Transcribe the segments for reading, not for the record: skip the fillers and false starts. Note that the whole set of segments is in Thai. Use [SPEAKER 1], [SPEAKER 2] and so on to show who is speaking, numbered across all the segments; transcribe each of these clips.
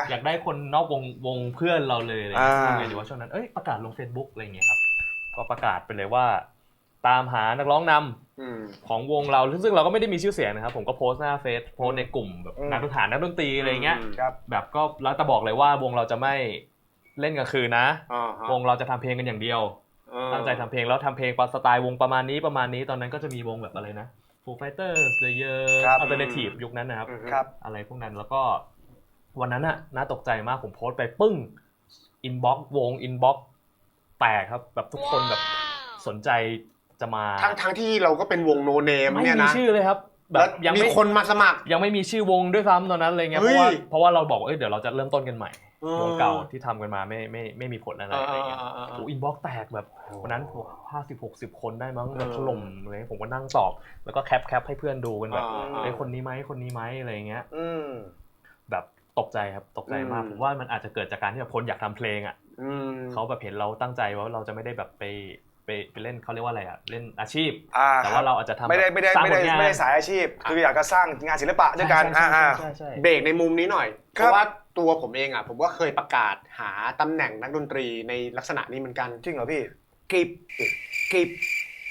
[SPEAKER 1] อยากได้คนนอกวงเพื่อนเราเลยอะไรอย่างเงี้ยทำไงดีว่าช่วงนั้นประกาศลง Facebook อะไรอย่างเงี้ยครับก็ประกาศไปเลยว่าตามหานักร้องนำของวงเราซึ่งเราก็ไม่ได้มีชื่อเสียงนะครับผมก็โพสต์หน้าเฟซโพสต์ในกลุ่มแบบนักดนตรีอะไรเงี้ยแบบก็แล้วแต่บอกเลยว่าวงเราจะไม่เล่นกลางคืนนะวงเราจะทำเพลงกันอย่างเดียวตั้งใจทำเพลงแล้วทำเพลงสไตล์วงประมาณนี้ตอนนั้นก็จะมีวงแบบอะไรนะ Foo Fighters The Year Alternative ยุคนั้นนะครับอะไรพวกนั้นแล้วก็วันนั้นน่าตกใจมากผมโพสต์ไปปึ้งอินบ็อกซ์วงอินบ็อกซ์แตกครับแบบทุกคนแบบสนใจจะมา
[SPEAKER 2] ทั้งที่เราก็เป็นวงโนเนมเนี่ยนะ
[SPEAKER 1] ไม่มีชื่อเลยครับแบบ
[SPEAKER 2] ยังมีคนมาสมัคร
[SPEAKER 1] ยังไม่มีชื่อวงด้วยซ้ำตอนนั้นเลยไงเพราะว่าเราบอกว่าเดี๋ยวเราจะเริ่มต้นกันใหม่วงเก่าที่ทำกันมาไม่มีผลอะไรเงี้ยโอ้อินบ็อกซ์แตกแบบวันนั้น50-60 คนได้มั้งถล่มเลยผมก็นั่งตอบแล้วก็แคปให้เพื่อนดูกันแบบคนนี้ไหมอะไรเงี้ยแบบตกใจครับตกใจมากผมว่ามันอาจจะเกิดจากการที่แบบคนอยากทำเพลงเขาแบบเห็นเราตั้งใจว่าเราจะไม่ได้แบบไปเล่นเขาเรียกว่าอะไรเล่นอาชีพแต่ว่าเราอาจจะทำ
[SPEAKER 3] ไม่ได้สายอาชีพคืออยากจะสร้างงานศิลปะด้วยกัน
[SPEAKER 2] เบรกในมุมนี้หน่อยเพราะว่าตัวผมเองผมก็เคยประกาศหาตำแหน่งนักดนตรีในลักษณะนี้เหมือนกัน
[SPEAKER 3] จริงเหรอพี่
[SPEAKER 2] กิบ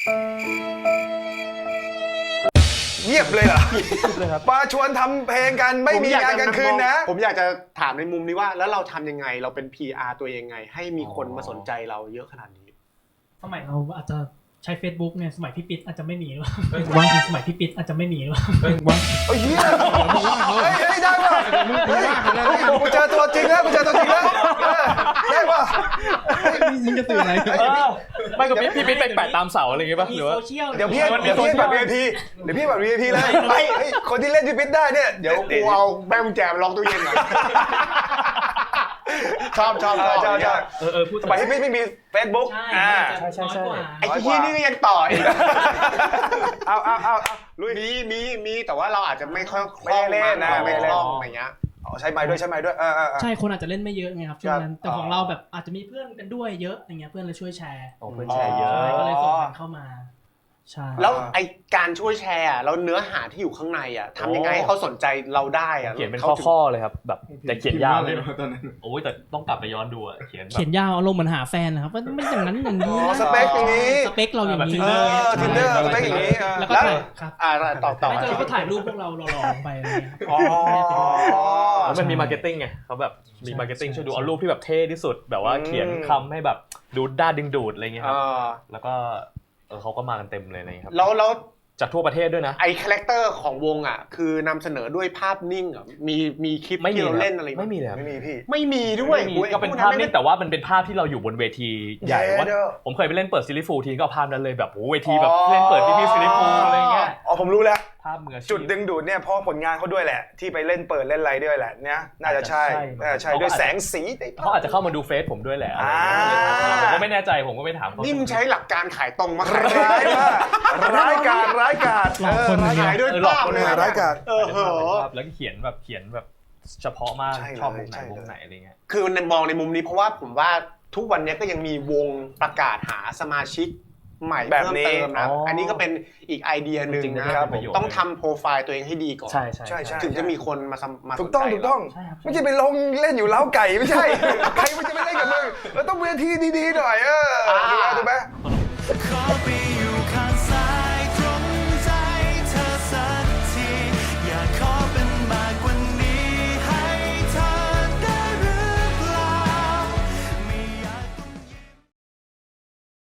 [SPEAKER 3] เงียบเลยเหรอมาชวนทำเพลงกันไม่มีงานกลางคืนนะ
[SPEAKER 2] ผมอยากจะถามในมุมนี้ว่าแล้วเราทำยังไงเราเป็น PR ตัวเองไงให้มีคนมาสนใจเราเยอะขนาดนี้
[SPEAKER 4] สมัยเราอาจจะใช้ Facebook เนี่ยสมัยพี่ปิ๊ดอาจจะไม่มีหรือเปล่าสมัยพี่ปิ๊ดอาจจะไม่มีหรือเปล่า
[SPEAKER 3] โอ้ยเฮ้ยได้ป่ะกูเจอตัวจริงแล้วได้ป่ะ
[SPEAKER 4] นี่จะตื่นอะไร
[SPEAKER 1] ไม่ก็พี่ปิ๊ดไปแปะตามเสาอะไรอย่างเงี้ยป่ะหรือว่า
[SPEAKER 3] เดี๋ยวพี่แบบ VIP เลยคนที่เล่นพี่ปิ๊ดได้เนี่ย
[SPEAKER 2] เดี๋ยวกูเอาแม่กุญแจมาล็อกตู้เย็นหน่อยชอบ
[SPEAKER 3] พูดสมัยที่ไม่มี Facebook
[SPEAKER 4] ใช่
[SPEAKER 2] ไอ้ที่นี่ก็ยังต่ออีกเอาลุยมีแต่ว่าเราอาจจะไม่ค่อยคล่องไม่คล่องอะไรเงี้ย
[SPEAKER 3] ใช้ไม้ด้วย
[SPEAKER 4] ใช่คนอาจจะเล่นไม่เยอะไงครับช่วงนั้นแต่ของเราแบบอาจจะมีเพื่อนกันด้วยเยอะอย่างเงี้ยเพื่อนเลยช่วยแชร์
[SPEAKER 1] เพื่อนแชร์เยอะ
[SPEAKER 4] ก็เลยส่งกันเข้ามาใช่
[SPEAKER 2] แล้วไอการช่วยแชร์แล้วเนื้อหาที่อยู่ข้างในทำยังไงให้เขาสนใจเราได้
[SPEAKER 1] เขียนเป็นข้อเลยครับแบบแต่เขียนยาวเลยตอนนั้นโอ้ยแต่ต้องกลับไปย้อนดูเขียน
[SPEAKER 4] ยาวอารมณ์เหมือนหาแฟนนะครับว่าไม่อย่างนั้นอย่างนี้
[SPEAKER 3] สเปคอย่างนี้
[SPEAKER 4] สเปคเราอย่างนี้
[SPEAKER 3] Tinder สเปคอย่างนี้
[SPEAKER 4] แล้วก็ครับต่อไม่เจอก็ถ่ายรูปพวกเราหล่อๆลงไปอะไรเงี้ย
[SPEAKER 1] มันมีมาร์เก็ตติ้งไงเขาแบบมีมาร์เก็ตติ้งช่วยดูเอารูปที่แบบเท่ที่สุดแบบว่าเขียนคำให้แบบดูด้าดึงดูดอะไรเงี้ยครับแล้วก็เขาก็มากันเต็มเลยนะครับ
[SPEAKER 2] แล้ว
[SPEAKER 1] จากทั่วประเทศด้วยนะ
[SPEAKER 2] ไอ้คาแรคเตอร์ของวงคือนำเสนอด้วยภาพนิ่งมีคลิปที่เราเล่นอะไร
[SPEAKER 1] ไม่มีเลย
[SPEAKER 3] ไม่มีพี่
[SPEAKER 2] ไม่มีด้วย
[SPEAKER 1] ก็เป็นภาพนิ่งแต่ว่ามันเป็นภาพที่เราอยู่บนเวทีใหญ่ว่าผมเคยไปเล่นเปิดซิลิฟูทีก็ภาพนั้นเลยแบบโอ้เวทีแบบเล่นเปิดพี่ซิลิฟูอะไรเงี้ย
[SPEAKER 3] ผมรู้แล้ว
[SPEAKER 1] ภาพมือ
[SPEAKER 3] จุดดึงดูดเนี่ยเพราะผลงานเขาด้วยแหละที่ไปเล่นเปิดเล่นอะไรด้วยแหละเนี่ยน่าจะใช่ด้วยแสงสี
[SPEAKER 1] เขาอาจจะเข้ามาดูเฟซผมด้วยแหละผมก็ไม่แน่ใจผมก็ไม่ถาม
[SPEAKER 2] นี่มึงใช้หลักการขายตรงมา
[SPEAKER 3] ร้ายกาจ
[SPEAKER 2] ขายด้วยภาพเลย
[SPEAKER 3] ร้ายกาจ
[SPEAKER 1] แล้วเขียนแบบเฉพาะมากชอบวงไหนอะไรเงี้ย
[SPEAKER 2] คือมองในมุมนี้เพราะว่าผมว่าทุกวันนี้ก็ยังมีวงประกาศหาสมาชิกใหม่เพิ่มเติมนะอันนี้ก็เป็นอีกไอเดียหนึ่งนะครับต้องทำโปรไฟล์ตัวเองให้ดีก่อน
[SPEAKER 1] ใช่
[SPEAKER 2] ถึงจะมีคนมา
[SPEAKER 3] ถูกต้องไม่ใช่ไปลงเล่นอยู่เล้าไก่ไม่ใช่ใครมันจะไปเล่นกับมึงเราต้องเวทีดีๆหน่อยถูกไหม